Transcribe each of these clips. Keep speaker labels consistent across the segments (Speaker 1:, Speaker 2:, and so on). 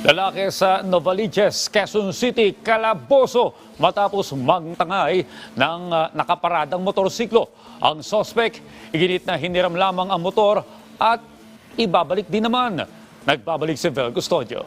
Speaker 1: Lalaki sa Novaliches, Quezon City, kalaboso matapos magtangay ng nakaparadang motorsiklo. Ang sospek, iginit na hiniram lamang ang motor at ibabalik din naman. Nagbabalik si Vel Custodio.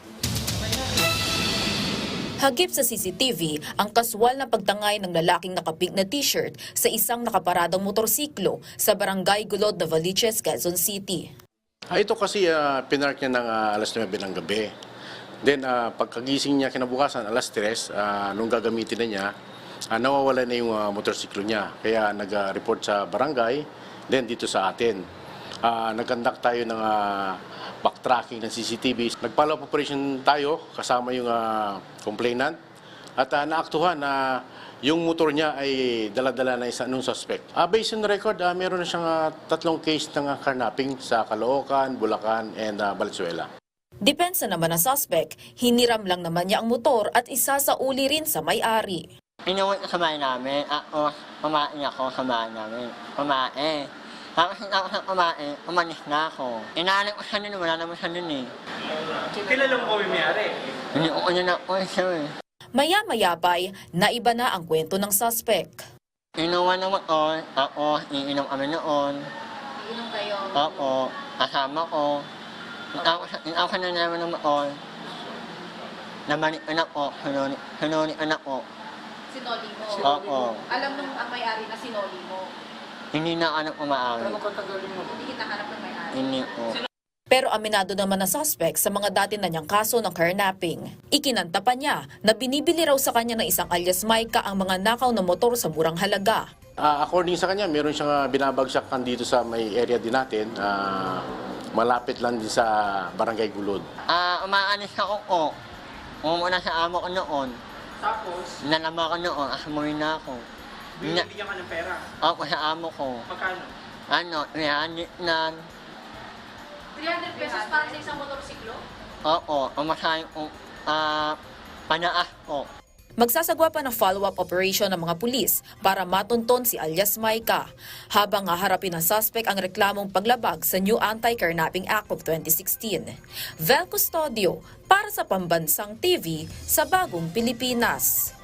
Speaker 2: Hagip sa CCTV ang kaswal na pagtangay ng lalaking nakapink na t-shirt sa isang nakaparadang motorsiklo sa Barangay Gulod, Novaliches, Quezon City.
Speaker 3: Ito kasi pinark niya ng alas 9 ng gabi. Then pagkagising niya kinabukasan alas 3, nung gagamitin na niya, nawawala na yung motorsiklo niya. Kaya nag-report sa barangay, then dito sa atin. Nag-conduct tayo ng backtracking ng CCTV. Nag-follow up operation tayo kasama yung complainant at naaktuhan na yung motor niya ay dala-dala na isa nung suspect. Based on record, meron na siyang 3 case ng carnapping sa Caloocan, Bulacan, and Valenzuela.
Speaker 2: Depensa naman ng suspect, hiniram lang naman niya ang motor at isa sa uli rin sa may-ari.
Speaker 4: Inuwi ko sa bahay namin, kumain ako sa bahay namin, kumain. Tapos ako sa kumain, umalis na ako. Inaanak ko siya nun, wala naman siya nun eh.
Speaker 5: Kilala mo kami may-ari?
Speaker 4: Hindi ko na ako siya eh.
Speaker 2: Maya-maya pa'y naiba na ang kwento ng suspect.
Speaker 4: Inuwan ng motor, ako, iinom kami noon.
Speaker 2: Inom kayo?
Speaker 4: Ako, kasama ko. Ako ka na naman ng motor. Namalik anak ko, sinuli anak ko.
Speaker 6: Sinoli mo?
Speaker 4: Oo.
Speaker 6: Alam nung ang may-ari na sinoli mo?
Speaker 4: Hindi na anak umaari.
Speaker 6: Hindi hinahanap ng may-ari?
Speaker 4: Hindi ko.
Speaker 2: Pero aminado naman na suspect sa mga dati na niyang kaso ng carnapping. Ikinanta pa niya na binibili raw sa kanya ng isang alias Micah ang mga nakaw na motor sa murang halaga.
Speaker 3: According sa kanya, meron siyang binabagsakan dito sa may area din natin. Malapit lang din sa Barangay Gulod.
Speaker 4: Umaalis ako ko. Umuna sa amo ko noon.
Speaker 5: Tapos,
Speaker 4: Nalama ko noon, asumuin na ako.
Speaker 5: binibigyan ka ng pera.
Speaker 4: Ako sa amo ko.
Speaker 5: Magkano?
Speaker 4: 300 na.
Speaker 6: 300 pesos para sa isang motorsiklo?
Speaker 4: Oo, umasahin ko, panaas ko.
Speaker 2: Magsasagwa pa ng follow-up operation ng mga pulis para matunton si alias Micah habang haharapin ng suspect ang reklamong paglabag sa New Anti-Carnapping Act of 2016. Vel Custodio para sa Pambansang TV sa Bagong Pilipinas.